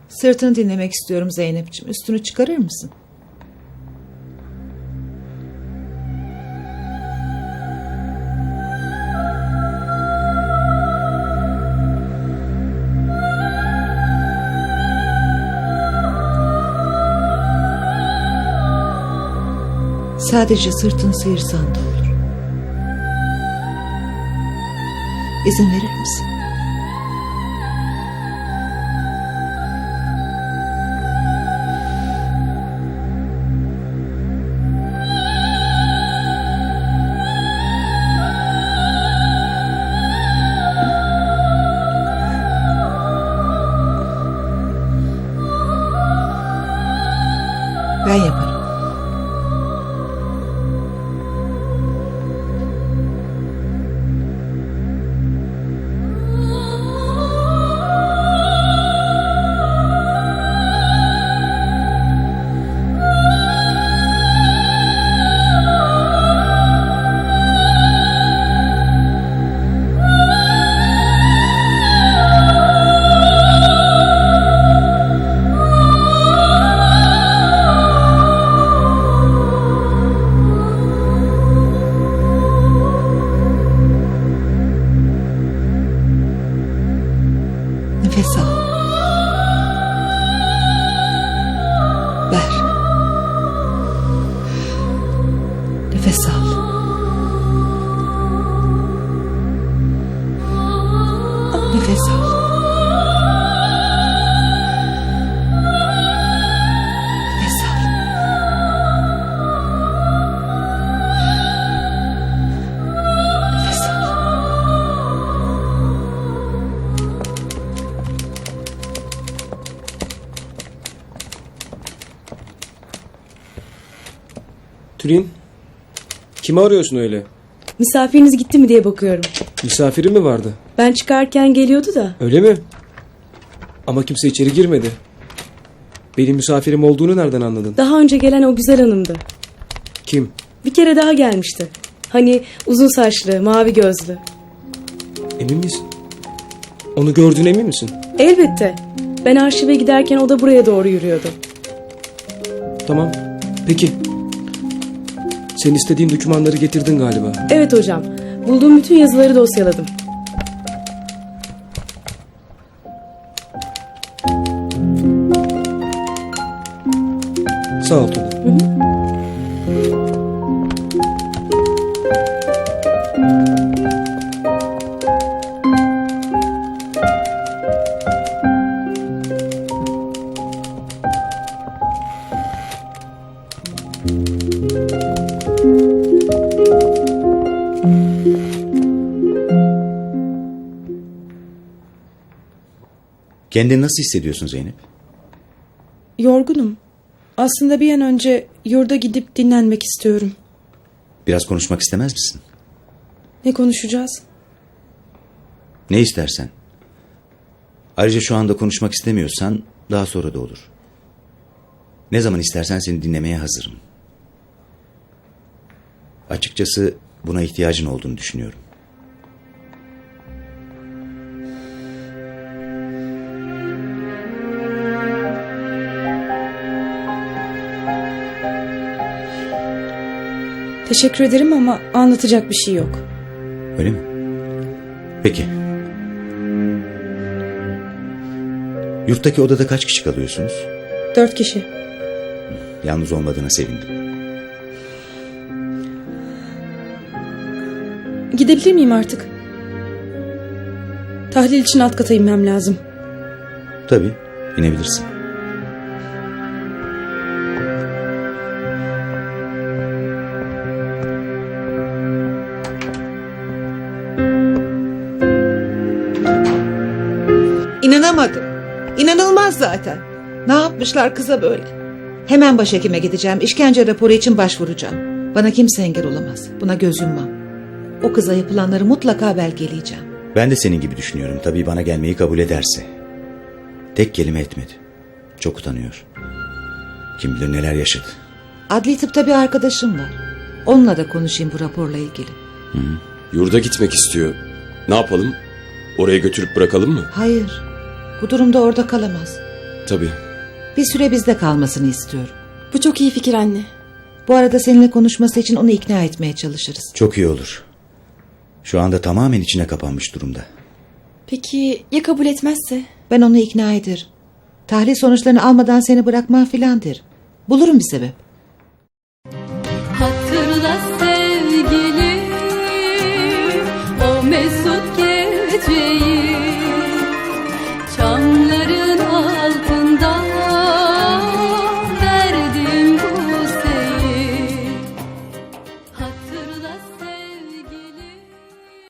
Sırtını dinlemek istiyorum Zeynep'ciğim. Üstünü çıkarır mısın? Sadece sırtını sıyırsan da olur. İzin verir misin? Ben yaparım. Nefes al. Ver. Nefes al. Nefes al. Nefes al. Nefes al. Tülin, kimi arıyorsun öyle? Misafiriniz gitti mi diye bakıyorum. Misafiri mi vardı? Ben çıkarken geliyordu da. Öyle mi? Ama kimse içeri girmedi. Benim misafirim olduğunu nereden anladın? Daha önce gelen o güzel hanımdı. Kim? Bir kere daha gelmişti. Hani uzun saçlı, mavi gözlü. Emin misin? Onu gördüğüne emin misin? Elbette. Ben arşive giderken o da buraya doğru yürüyordu. Tamam. Peki. Sen istediğin dokümanları getirdin galiba. Evet hocam. Bulduğum bütün yazıları dosyaladım. Sağ ol Tülin. Kendini nasıl hissediyorsun Zeynep? Yorgunum. Aslında bir an önce yurda gidip dinlenmek istiyorum. Biraz konuşmak istemez misin? Ne konuşacağız? Ne istersen. Ayrıca şu anda konuşmak istemiyorsan daha sonra da olur. Ne zaman istersen seni dinlemeye hazırım. Açıkçası buna ihtiyacın olduğunu düşünüyorum. Teşekkür ederim ama anlatacak bir şey yok. Öyle mi? Peki. Yurttaki odada kaç kişi kalıyorsunuz? 4 kişi. Yalnız olmadığına sevindim. Gidebilir miyim artık? Tahlil için alt kata inmem lazım. Tabii, inebilirsin. İnanamadım. İnanılmaz zaten. Ne yapmışlar kıza böyle? Hemen başhekime gideceğim. İşkence raporu için başvuracağım. Bana kimse engel olamaz. Buna göz yummam. O kıza yapılanları mutlaka belgeleyeceğim. Ben de senin gibi düşünüyorum. Tabii bana gelmeyi kabul ederse. Tek kelime etmedi. Çok utanıyor. Kim bilir neler yaşadı. Adli tıpta bir arkadaşım var. Onunla da konuşayım bu raporla ilgili. Yurda gitmek istiyor. Ne yapalım? Oraya götürüp bırakalım mı? Hayır. Bu durumda orada kalamaz. Tabii. Bir süre bizde kalmasını istiyorum. Bu çok iyi fikir anne. Bu arada seninle konuşması için onu ikna etmeye çalışırız. Çok iyi olur. Şu anda tamamen içine kapanmış durumda. Peki ya kabul etmezse? Ben onu ikna ederim. Tahlil sonuçlarını almadan seni bırakmam filan derim. Bulurum bir sebep. Hatırla sen